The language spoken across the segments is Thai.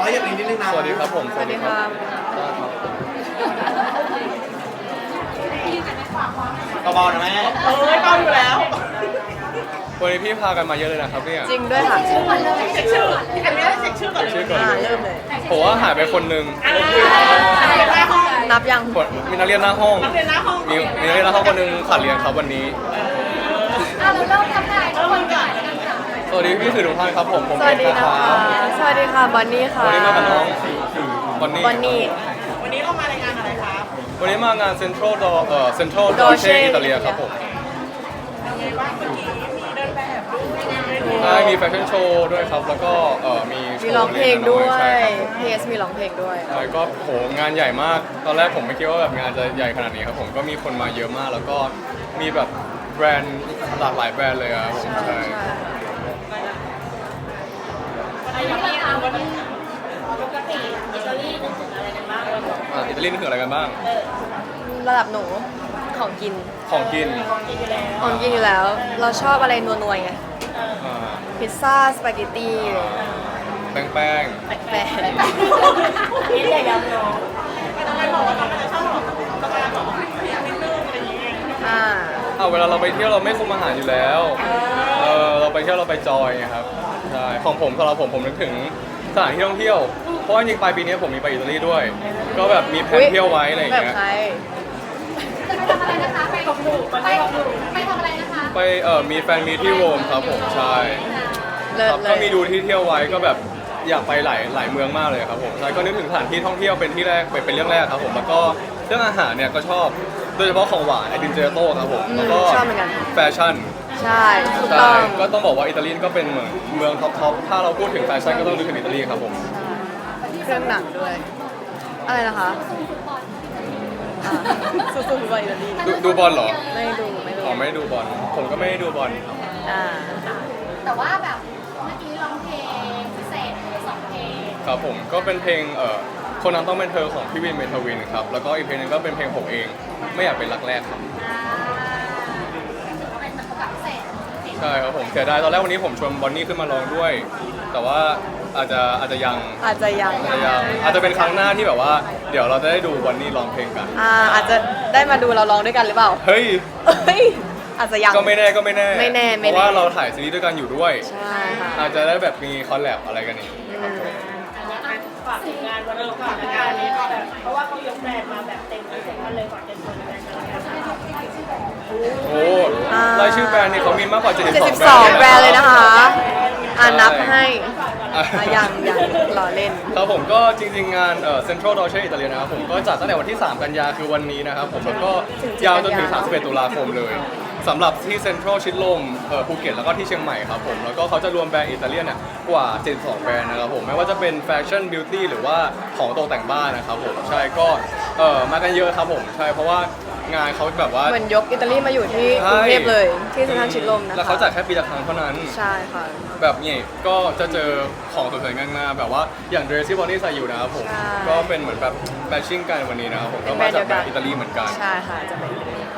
น้อยอย่างนี้นิดนึงนะสวัสดีครับผมสวัสดีครับเบาๆนะแม่เบาอยู่แล้ววันนี้พี่พากันมาเยอะเลยนะครับเนี่ยจริงด้วยค่ะเช็คชื่ออันนี้เช็คชื่อก่อนเลยชื่อก่อนเลยเริ่มเลยผมว่าหายไปคนหนึ่งนับยังมีนักเรียนหน้าห้องนักเรียนหน้าห้องมีนักเรียนหน้าห้องคนหนึงขาดเรียนครับวันนี้เราเริ่มทำได้ทุกคนก่อนสวัสดีพี่สื่อทุกท่านครับผมสวัสดีเอ็ดนะคคะรับสวัสดีค่ะบอนนี่ค่ะวันนี้มากับน้องบอนนี่บอนนี่วันนี้เรามารายงานอะไรครับวันนี้มางานเซ็นทรัลเซ็นทรัลดอ Dolce เช่อิตาเลียครับผมเป็นไงบ้างเมื่อกี้มีเดินแบบด้วยใช่มีแฟชั่นโชว์ด้วยครับ แล้วก็มีโชมีว์ร้องเพลงด้วยใช่ครับเพสมีร้องเพลงด้วยใช่ก็โหงานใหญ่มาก ตอนแรกผมไม่คิดว่าแบบงานจะใหญ่ขนาดนี้ครับผมก็มีคนมาเยอะมาก แล้วก็มีแบบแบรนด์หลากหลายแบรนด์เลยครับผมใช่ปกติอิตาลีนึกถึงอะไรกันบ้างอิตาลีนี่คืออะไรกันบ้างระดับหนูของกินของกินของกินอยู่แล้ว เราชอบอะไรนัวๆไงอ่าพิซซ่าสปาเกตตี้แป้งแป้งนี่เลยยังน้องทำไมบอกว่าเราไม่ได้ชอบหรอกประมาณแบบนิดนึงอะไรอย่างเงี้ยอ่าเวลาเราไปเที่ยวเราไม่คุมอาหารอยู่แล้วเราไปเที่ยวเราไปจอยไงครับใช่ของผมสำหรับผมนึกถึงสถานที่ท่องเที่ยวเพราะว่าจริงๆปลายปีนี้ผมมีไปอิตาลีด้วย ก็แบบมีแผนเที่ยวไว้อะไรอย่างแบบเงี้ยใครจะไปทำอะไรนะคะไปกับหนูไปทำอะไรนะคะไปมีแฟนมีที่โรมครับผมใช่เลิคศรับเลก็ยมีดูที่เที่ยวไว้ก็แบบอยากไปหลายเมืองมากเลยครับผมใช่ก็นึกถึงสถานที่ท่องเที่ยวเป็นที่แรกเป็นเรื่องแรกครับผมแล้วก็เรื่องอาหารเนี่ยก็ชอบโดยเฉพาะของหวานไอติมเจลาโต้ครับผมแล้วก็ชอบเหมือนกันแฟชั่นใช่ถูกต้ใช่องก็ต้องบอกว่าอิตาลีก็เป็นเมืองท็อปถ้าเราพูดถึงแฟชั่นก็ต้องนึกถึงอิตาลีครับผมเครื่องหนังด้วย อะไรนะคะอ่าสู้ๆฟุตบอลอิตาลีดูบอลเหรอไม่ดูอ๋อไม่ได้ดูบอลผมก็ไม่ได้ดูบอลอ่าแต่ว่าแบบเมื่อกี้ร้องเพลงพิเศษเลย2เพลงครับผมก็เป็นเพลงคนนั้นต้องเป็นเธอของพี่วินเมทวินครับแล้วก็อีกเพลงหนึงก็เป็นเพลงผมเองไม่อยากเป็นรักแรกครับก็เป็นประกาศพิเศษใช่ครับผมเสียดายตอนแรกวันนี้ผมชวนบอนนี่ขึ้นมาร้องด้วย แต่ว่าอาจจะยังอาจจะยังอาจจะเป็นครั้งหน้าที่แบบว่าเดี๋ยวเราจะได้ดูบอนนี่ร้องเพลงกันอาจจะได้มาดูเราร้องด้วยกันหรือเปล่าเฮ้ยเฮ้ยอาจจะยังก็ไม่แน่ไม่แน่เพราะว่าเราถ่ายซีรีส์ด้วยกันอยู่ด้วยใช่ค่ะอาจจะได้แบบมีคอลแลบอะไรกันอีกครับผมฝากถึงงานวันนี้ฝากงานนี้แบบเพราะว่าเขายกแบรนด์มาแบบเต็มมันเลยฝากเต็มคนแบรนด์กันแล้วกันโอ้รายชื่อแบรนด์นี่เขามีมากกว่า72 72 แบรนด์เลยนะคะ นับให้อ่ะยังรอเล่นครับผมก็จริงๆงานCentral Dolce Italia นะครับผมก็จัดตั้งแต่วันที่ 3 กันยาคือวันนี้นะครับผมแล้วก็ยาวจนถึง 31 ตุลาคมเลยสำหรับที่เซ็นทรัลชิดลมภูเก็ตแล้วก็ที่เชียงใหม่ครับผมแล้วก็เขาจะรวมแบรนด์อิตาเลียนเนี่ยกว่า 72 แบรนด์นะครับผมไม่ว่าจะเป็นแฟชั่นบิวตี้หรือว่าของตกแต่งบ้านนะครับผมใช่ก็มากันเยอะครับผมใช่เพราะว่างานเขาแบบว่าเหมือนยกอิตาลีมาอยู่ที่กรุงเทพเลย ที่เซ็นทรัลชิดลมนะคะแล้วเขาจัดแค่ปีละครั้งเท่านั้นใช่ค่ะแบบนี้ก็จะเจอของสวยๆงามๆแบบว่าอย่างเดรสที่บอนนี่ใส่อยู่นะครับผมใช่ก็เป็นเหมือนแบบแมทชิ่งกันวันนี้นะครับผมเป็ก็นแบรมานด์จากเดียวกันอิตาลีเหมือนกันใช่ค่ะ จะเป็น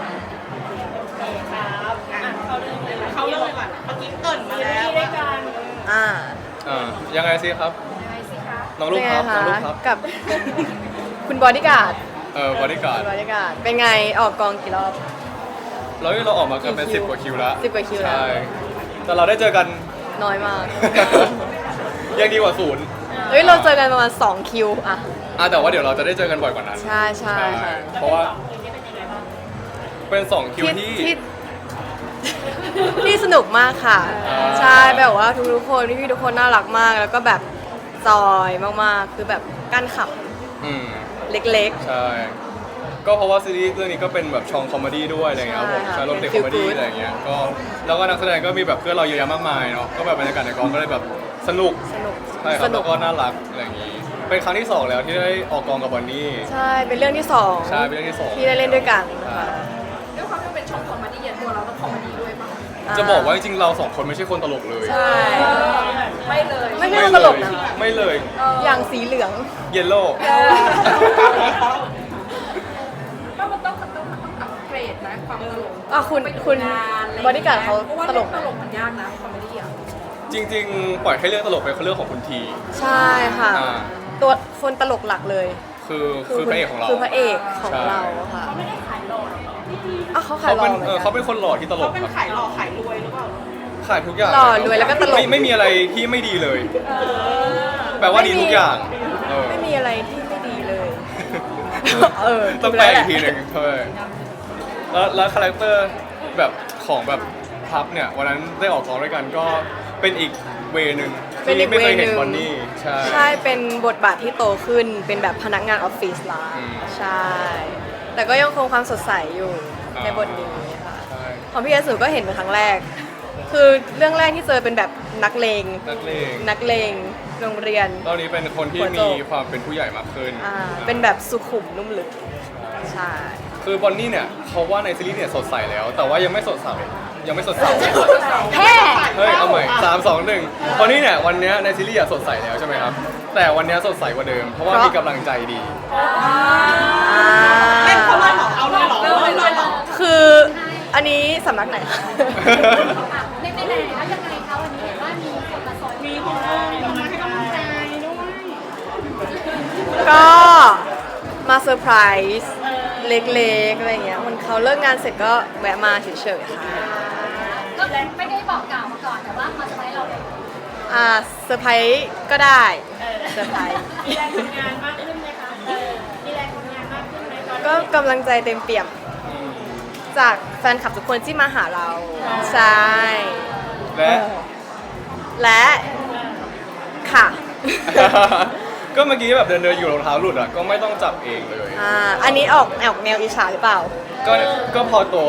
ครับเขาเริ่มก่อนเมื่อกี้เกรินมาแล้วด้วยกันอ่ายังไงสิครับยังไงสิคะน้องลูเป็กนไงครับน้คะองลูกครับกับ คุณบอดี้การ์ดบริการบอดี้การ์ด เป็นไงออกกองกี่รอบแล้วเราออกมากันเป็นกี่คิว 10 กว่าคิวแล้ว 10 กว่าคิวแล้วใช่แต่เราได้เจอกันน้อยมากยังดีกว่าศูนย์เฮ้ย เราเจอกันประมาณ2คิวอ่ะแต่ว่าเดี๋ยวเราจะได้เจอกันบ่อยกว่านั้นใช่ค่ะเพราะว่าเป็น 2 คิวที่ที่สนุกมากค่ะอ่าใช่แบบว่าทุกๆคนพี่ๆทุกคนน่ารักมาก แล้วก็แบบจอยมากๆ คือแบบกั้นขับอืมเล็กใช่ ก็เพราะว่าซีรีส์เรื่องนี้ก็เป็นแบบช่องคอมเมดี้ด้วยอะไรเงี้ยครับผมใช่ค่ะใช่รวมถึงคเป็อน มเมดี้ feel good อะไรเงี้ยก็แล้วก็นักแสดงก็มีแบบเพื่อนเราเยอะแยะมากมายเนาะก็แบบบรรยากาศในกองก็เลยแบบสนุกๆ สนุกใช่คสรับนุแล้กวก็น่ารักอะไรอย่างงี้ เป็นครั้งที่ 2 แล้วที่ได้ออกกองกับบอนนี่ใช่ เป็นเรื่องที่สองใช่เป็นเรื่องที่2 ที่ได้เล่นด้วยกันใช่ค่ะด้วยความที่เป็นช่องคอมเมดี้ตัวเราต้องคอมเมดี้ด้วยป่ะจะบอกว่าจริงๆเรา2 คนไม่ใช่คนตลกเลยใช่ไม่เลยไม่ใช่ตลกนะไม่เลยอย่างสีเหลืองเยลโล่ก็มันต้องอัปเกรดนะความตลกคุณบอดี้การ์ดเขาตลกตนะลกมันยากนะคอมเมดี้อ่ะจริงๆ ปล่อยให้เรื่องตลกเป็นเรื่องของคุณทีใช่ค่ะอ่าตัวคนตลกหลักเลยคือพระเอกของเราคือพระเอกของใช่เราค่ะเขาไม่ได้ขายหล่อหรอกเหรออ่ะเขาขายหล่อเป็นเหมือนกันเขาเป็นคนหล่อที่ตลเขากเป็นครับขายหล่อขายรวยหรือเปล่าขายทุกอย่างหล่อรวยแล้วก็ตลกไม่มีอะไรที่ไม่ดีเลย แปลว่าดีทุกอย่างเออไม่มีอะไรที่ไม่ดีเลยต้องแปลอีกทีหนึ่งเท่านั้นแล้วคาแรคเตอร์แบบของแบบพับเนี่ยวันนั้นได้ออกกองด้วยกันก็เป็นอีกเวนึงเป็นอีที่กไม่เคยเวนึเห็นงบอนนี่ใช่ใช่เป็นบทบาทที่โตขึ้นเป็นแบบพนักงานออฟฟิศละอืมใช่ แต่ก็ยังคงความสดใสอยู่อ่าในบทนี้ค่ะใช่ของพี่เอสุก็เห็นเป็นครั้งแรก คือเรื่องแรกที่เจอเป็นแบบนักเลงนักเลงนักเลงโรงเรียนตอนนี้เป็นคนที่หัวโจมีกความเป็นผู้ใหญ่มากขึ้นเป็นแบบสุขุมนุ่มลึก ใช่คือบอนนี่เนี่ยเขาว่าในซีรีส์เนี่ยสดใสแล้ว แต่ว่ายังไม่สดใสยังไม่สดใสแฮ่เฮ้ยเอาใหม่3 2 1บอนนี่เนี่ยวันเนี้ยในซีรีส์อะสดใสแล้วใช่ไหมครับแต่วันเนี้ยสดใสกว่าเดิมเพราะว่ามีกำลังใจดีเล่นเขาเลยเหรอเอาเลยเหรอเอาเลยเหรอคืออันนี้สำนักไหนในไหนคะยังไงคะวันนี้เห็นว่ามีคนมาสอนมีคนมาให้กำลังใจด้วยก็มาเซอร์ไพรส์เล็กๆอะไรเงี้ยมันเขาเลิกงานเสร็จก็แวะมาเฉยๆค่ะก็ไม่ได้บอกกล่าวมาก่อนแต่ว่ามาสบายเราเลยเซอร์ไพรส์ก็ได้เซอร์ไพรส์มีแรงทำงานมากขึ้นไหมคะมีแรงทำงานมากขึ้นไหมตอนนี้ก็กำลังใจเต็มเปี่ยม จากแฟนคลับทุกคนที่มาหาเรา ใช่และและค่ะก็เมื่อกี้แบบเดินอยู่รองเท้าหลุดอ่ะก็ไม่ต้องจับเองเลยอันนี้ออกแนวอิจฉาหรือเปล่าก็พอตัว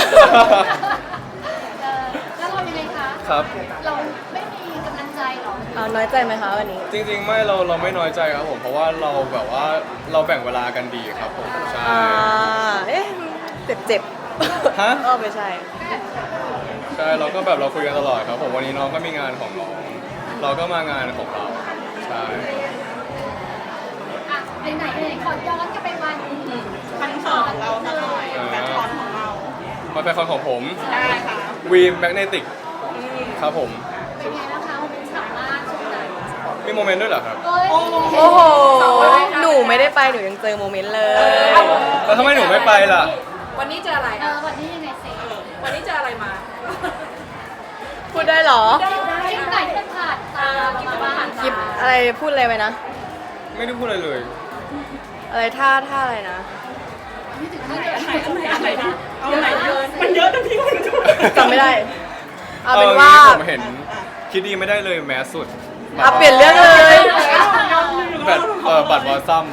แล้วเรายังไงคะครับเราไม่มีกำลังใจหรอน้อยใจไหมคะวันนี้จริงๆไม่เราไม่น้อยใจครับผมเพราะว่าเราแบบว่าเราแบ่งเวลากันดีครับผมใช่เอ๊ะเจ็บฮะไม่ใช่ใช่เราก็แบบเราคุยกันตลอดครับผมวันนี้น้องก็มีงานของน้องเราก็มางานของเราครับใช่อ่ะไหนขอย้อนกลับไปวันคอนเสิร์ตของเราสักหน่อยแฟนคอนของเรามาเป็นคอนของผมได้ค่ะวีมแมกเนติกครับผมเป็นไงบ้างคะวันนี้สามารถช่วงนั้นมีโมเมนต์ด้วยเหรอครับเอ้ยโอ้โห หนูไม่ได้ไป หนูยังเจอโมเมนต์เลยแล้วทำไมหนูไม่ไปล่ะวันนี้เจออะไรวันนี้ยังไงเซวันนี้เจออะไรมาพูดได้เหรอคลิปไหนที่มันผ่านตาเรามาบ้างคลิปอะไรพูดอะไรไปนะไม่ได้พูดอะไรเลยอะไรท่าอะไรนะนี่ถึงขั้นอะไรดีเอาไหนมันเยอะนะพี่คนดูจำไม่ได้ เอาเป็นว่าผมเห็นคิดดีไม่ได้เลยแมสสุดเปลี่ยนเรื่องเลยแบบบัตรวอซัม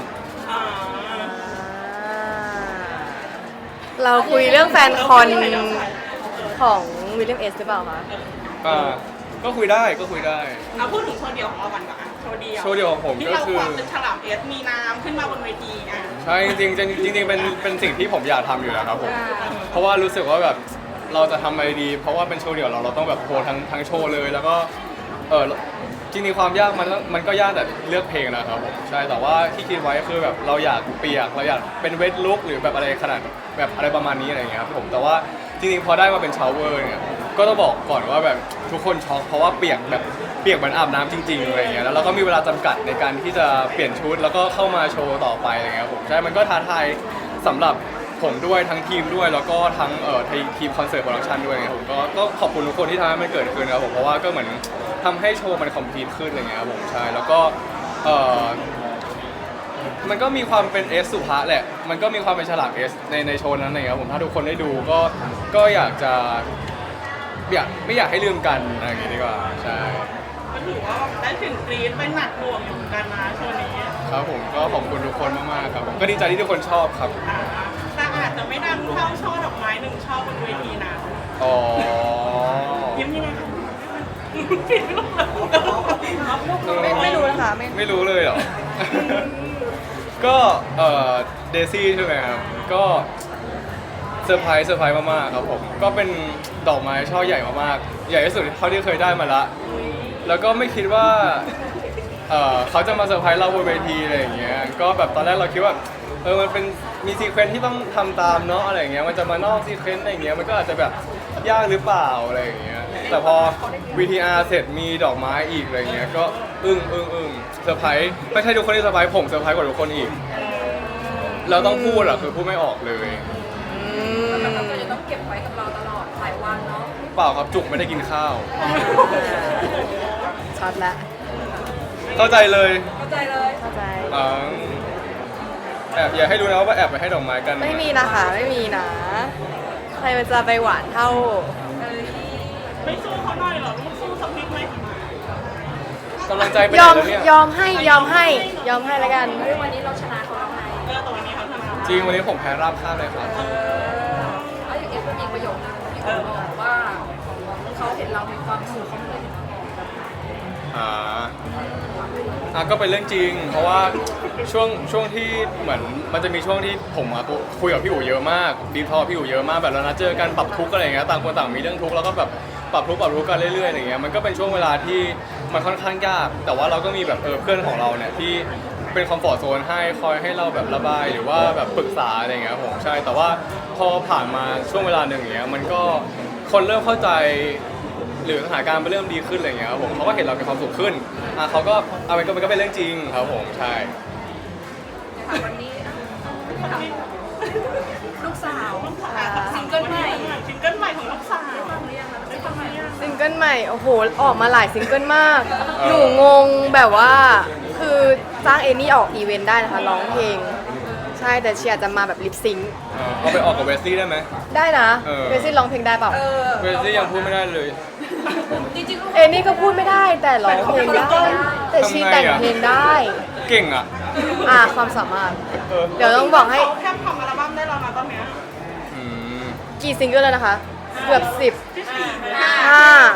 เราคุยเรื่องแฟนคอนของวิลเลียมเอสหรือเปล่าคะก็คุยได้ก็คุยได้เอาพูดถึงโชว์เดียวของเราก่อนก่อนโชว์เดียวโชว์เดียวของผมที่ก็เราคือความเป็นฉลามเอสมีน้ำขึ้นมาบนเวทีอ่ะใช่จริงๆเป็นสิ่งที่ผมอยากทำอยู่แล้วครับผมเพราะว่ารู้สึกว่าแบบเราจะทำอะไรดี เพราะว่าเป็นโชว์เดี่ยวเราต้องแบบโพลทั้งโชว์เลยแล้วก็จริงๆความยากมันก็ยากแต่เลือกเพลงนะครับผมใช่แต่ว่าที่คิดไว้คือแบบเราอยากเปียกเราอยากเป็นเวทลุกหรือแบบอะไรขนาดแบบอะไรประมาณนี้อะไรอย่างเงี้ยครับผมแต่ว่าจริงๆพอได้มาเป็นชาวเวอร์เนี่ยก็ต้องบอกก่อนว่าแบบทุกคนช็อกเพราะว่าเปียกเหมือนอาบน้ำจริงๆอะไรอย่างเงี้ยแล้วเราก็มีเวลาจำกัดในการที่จะเปลี่ยนชุดแล้วก็เข้ามาโชว์ต่อไปอะไรเงี้ยครับผมใช่มันก็ท้าทายสำหรับผมด้วยทั้งทีมด้วยแล้วก็ทั้งทีมคอนเสิร์ตโปรดักชันด้วยไงผมก็ขอบคุณทุกคนที่ทำให้มันเกิดขึ้นนะครับผมเพราะว่าก็เหมือนทำให้โชว์มันคอมพลีทขึ้นอะไรเงี้ยครับผมใช่แล้วก็มันก็มีความเป็นเอสสุภาแหละมันก็มีความเป็นฉลามเอสในโชว์นั้นอะไรเงี้ยครับผมถ้าทุกคนได้ดูก็อยากจะไม่อยากให้ลืมกันอะไรอย่างงี้ดีกว่าใช่ก็ถือว่าได้ถึงกรี๊ดเป็นหนักหน่วงอยู่เหมือนกันนะโชว์นี้ครับผมก็ขอบคุณทุกคนมากๆครับผมก็ดีใจที่ทุกคนชอบครับแต่อาจจะไม่ดังเท่าช่อดอกไม้หนึ่งช่อบนเวทีนะอ๋อยิ้มยังไงคะปิดไม่ลงเลยไม่รู้นะคะไม่รู้เลยเหรอ ก็เดซี่ใช่ไหมครับก็เซอร์ไพรส์มากๆครับผมก็เป็นดอกไม้ช่อใหญ่มากๆใหญ่ที่สุดเท่าที่เคยได้มาละแล้วก็ไม่คิดว่าเขาจะมาเซอร์ไพรส์เราบนเวทีอะไรอย่างเงี้ยก็แบบตอนแรกเราคิดว่ามันเป็นมีซีเควนซ์ที่ต้องทำตามเนาะอะไรอย่างเงี้ยมันจะมานอกซีเควนซ์อะไรอย่างเงี้ยมันก็อาจจะแบบยากหรือเปล่าอะไรอย่างเงี้ยแต่พอ VTR เสร็จมีดอกไม้อีกอะไรเงี้ยก็อึ้งเซอร์ไพรส์ไม่ใช่ทุกคนที่เซอร์ไพรส์ผมเซอร์ไพรส์กว่าทุกคนอีกเราต้องพูดอะคือพูดไม่ออกเลยเราจะต้องเก็บไว้กับเราตลอดหลายวันเนาะเปล่าครับจุกไม่ได้กินข้าวช็อตละเข้าใจเลยเข้าใจเลยเข้าใจอ๋อแอบอย่าให้รู้นะว่าแอบไปให้ดอกไม้กันไม่มีนะคะไม่มีนะ ใครมันจะไปหวานเท่าไม่สู้เขาหน่อยเหรอไม่สู้สักนิดไหมกำลังใจไปยไหนอมแล้วเนี่ยยอมให้แล้วกันเฮ้ยวันนี้เราชนะเขาแล้วไงตัวนี้เขาทำอะไรจริงวันนี้ผมแพ้ราบคาบเลยครับแล้วอย่างเอฟก็มีประโยคนึงที่เขาบอกว่าเขาเห็นเรามีความสุขเขาเลยเห็นเราก็เป็นเรื่องจริง เพราะว่าช่วงที่เหมือนมันจะมีช่วงที่ผมคุยกับพี่อู๋เยอะมากดีทอพี่อู๋เยอะมากแบบเรานัดเจอกันปรับทุกข์อะไรอย่างเงี้ยต่างคนต่างมีเรื่องทุกข์แล้วก็แบบปรับทุกข์กันเรื่อยๆอย่างเงี้ยมันก็เป็นช่วงเวลาที่มันค่อนข้างยาก แต่ว่าเราก็มีแบบเพื่อนของเราเนี่ยที่เป็นคอมฟอร์ตโซนให้คอยให้เราแบบระบายหรือว่าแบบปรึกษาอะไรอย่างเงี้ยผมใช่แต่ว่าพอผ่านมาช่วงเวลาหนึ่งอย่างเงี้ยมันก็คนเริ่มเข้าใจหรือสถานการณ์มันเริ่มดีขึ้นอะไรอย่างเงี้ยครับผมเขาก็เห็นเรามีความสุขขึ้นเขาก็มันก็เป็นเรื่องจริงครับผมใช่วันนี้ลูกสาวซิงเกิลใหม่ซิงเกิลใหม่ของลูกสาวฟังหรือยังนะซิงเกิลใหม่ซิงเกิลใหม่โอ้โหออกมาหลายซิงเกิลมาก หนูงงแบบว่าคือจ้างเอนี่ออกอีเวนต์ได้นะคะร้องเพลง ใช่แต่เชียร์จะมาแบบลิปซิงค์เอาไปออกกับเวสซี่ได้ไหมได้นะเออเวซี่ร้องเพลงได้เปล่าเวสซี่ยังพูดไม่ได้เลยจริงๆลูกเอนี่ก็พูดไม่ได้แต่ร้องเพลงได้แต่ชีแต่งเพลงได้เก่งอ่ะความสามารถเออเดี๋ยวต้องบอกให้เขาแค่ทำอัลบั้มได้แล้วนะตอนเนี้ยอืมกี่ซิงเกิลแล้วนะคะ เกือบที่สี่ 10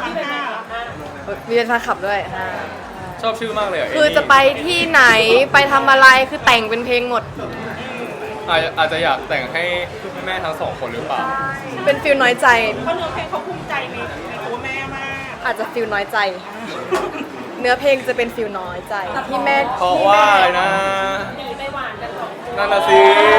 5มีเป็นแฟนคลับด้วยชอบชื่อมากเลยอ่ะคือจะไปที่ไหนไปทำอะไรคือแต่งเป็นเพลงหมดอาจจะอยากแต่งให้แม่ทั้งสองคนหรือเปล่าเป็นฟิลน้อยใจเพราะเนื้อเพลงเขาภูมิใจในตัวแม่มากอาจจะฟิลน้อยใจ เนื้อเพลงจะเป็นฟิลน้อยใจที่แม่เพราะว่าอะไรนะหนีไปหวานกันสองคนนั่นน่ะสิ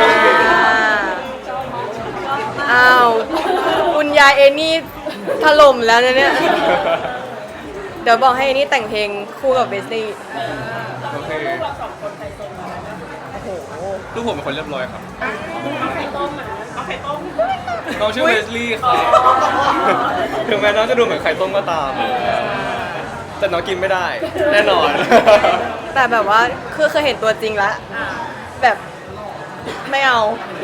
อ้าวคุณยายเอนี่ถล่มแล้วนะเนี่ย เดี๋ยวบอกให้เอนี่แต่งเพลงคู่กับเบสลี่โอเคเราสองคนใครโซนโอ้โหลูกผมเป็นคนเรียบร้อยครับเอาไข่ต้มอ่ะเอาไข่ต้มน้องชื่อเวสลี่ครับถึงแม้น้องจะดูเหมือนไข่ต้มก็ตาม แต่น้องกินไม่ได้ แน่นอนแต่แบบว่าคือเคยเห็นตัวจริงแล้วแบบไม่เอา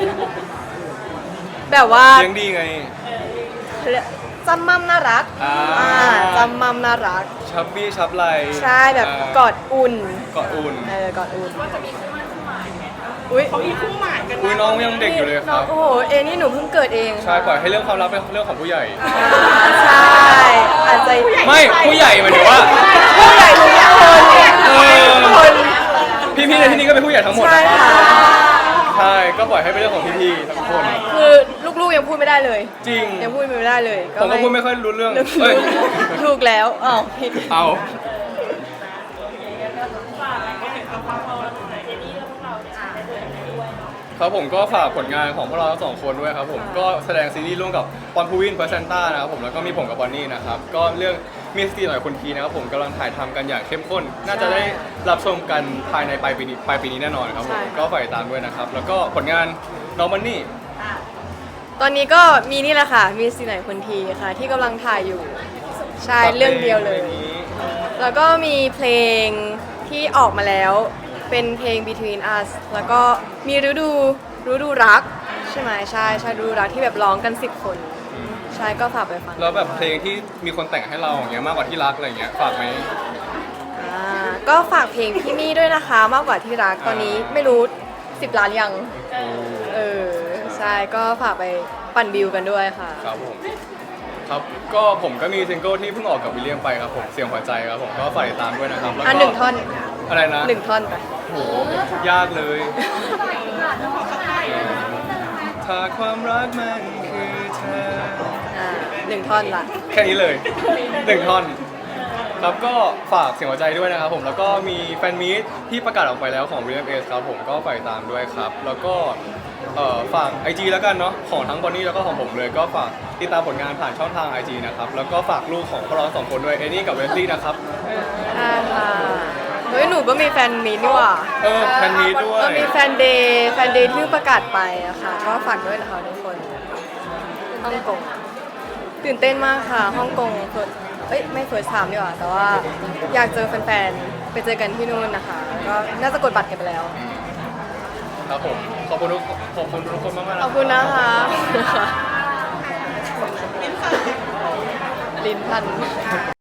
แบบว่าเลี้ยงดีไงจำมั่มน่ารักอ่าจำมั่มน่ารักชับบี้ชับไหลใช่แบบกอดอุ่นกอดอุ่นกอดอุ่นว่าจะมีคู่มั่นคู่หมายไหมอุ้ยเขามีคู่หมายกันอุ้ยน้องยังเด็กอยู่เลยคน้อรังบโอ้โหเอนี่หนูเพิ่งเกิดเองใช่ปล่อยให้เรื่องความลับเป็นเรื่องของผู้ใหญ่ใช่อาจจะไม่ผู้ใหญ่หมายถึงว่าผู้ใหญ่ทุกคน คนพี่ๆในที่นี้ก็เป็นผู้ใหญ่ทั้งหมดใช่นะครับค่ะใช่ก็ปล่อยให้เป็นเรื่องของพี่ๆทั้งคนคือลูกๆยังพูดไม่ได้เลยจริงยังพูดไม่ได้เลยผมก็พูดไม่ค่อยรู้เรื่องนึกเอ้ยถูกแล้วอ้าวผิดเอาฝากอะไรก็เห็นกับความพอเราเจนี่แล้วพวกเราเนี่ยไปด้วยกันด้วยเนาะครับผมก็ฝากผลงานของพวกเราทั้งสองคนด้วยครับผมก็แสดงซีรีส์ร่วมกับปอนพูวินเพอร์เซนต้านะครับผมแล้วก็มีผมกับบอนนี่นะครับก็เรื่องมีสตีหน่อยคนทีนะครับผมกำลังถ่ายทำกันอย่างเข้มข้น น่าจะได้รับชมกันภายในปลายปีนี้แน่นอนครับผมก็ฝากติดตามด้วยนะครับแล้วก็ผลงานน้องมันนี่ตอนนี้ก็มีนี่แหละค่ะ มีสิไหนคนทีค่ะ ที่กำลังถ่ายอยู่ ใช่เรื่องเดียวเลย แล้วก็มีเพลงที่ออกมาแล้ว เป็นเพลง Between Us แล้วก็มีฤดูรัก ใช่ไหมใช่ฤดูรักที่แบบร้องกัน10 คน ใช่ก็ฝากไปฟังแล้วแบบเพลงที่มีคนแต่งให้เราอย่างเงี้ยมากกว่าที่รักอะไรเงี้ยฝากไหมก็ฝากเพลงพี่มี่ด้วยนะคะมากกว่าที่รักตอนนี้ไม่รู้10 ล้านยังใช่ก็ฝากไปปั่นวิวกันด้วยค่ะครับผมครับก็ผมก็มีซิงเกิลที่เพิ่งออกกับวิลเลียมไปครับผมเสียงหัวใจครับผมก็ฝากติดตามด้วยนะครับแล้วก็ 1 ท่อนอะไรนะ 1 ท่อนไปโหยากเลย ถ้าความรักมันคือเธอ 1 ท่อนละแค่นี้เลยหนึ่งท่อนครับก็ฝากเสียงหัวใจด้วยนะครับผมแล้วก็มีแฟนมีตที่ประกาศออกไปแล้วของ VMS ครับผมก็ฝากตามด้วยครับแล้วก็ฝาก IG แล้วกันเนาะของทั้งบอนนี่แล้วก็ของผมเลยก็ฝากติดตามผลงานผ่านช่องทาง IG นะครับแล้วก็ฝากลูกของพวกเราสองคนด้วยเอนี่กับเวสลี่นะครับใช่ค่ะเฮ้ยหนูก็มีแฟนมีตนี่หว่าแฟนมีตด้วยก็มีแฟนเดย์ที่ประกาศไปอะค่ะก็ฝากด้วยนะคะทุกคนฮ่องกงตื่นเต้นมากค่ะฮ่องกงไม่เฟิร์สไทม์ดีกว่าแต่ว่าอยากเจอแฟนๆไปเจอกันที่นู่นนะคะก็น่าจะกดบัตรกันไปแล้วครับผมขอบคุณทุกคนมากๆขอบคุณนะคะลิ้นพัน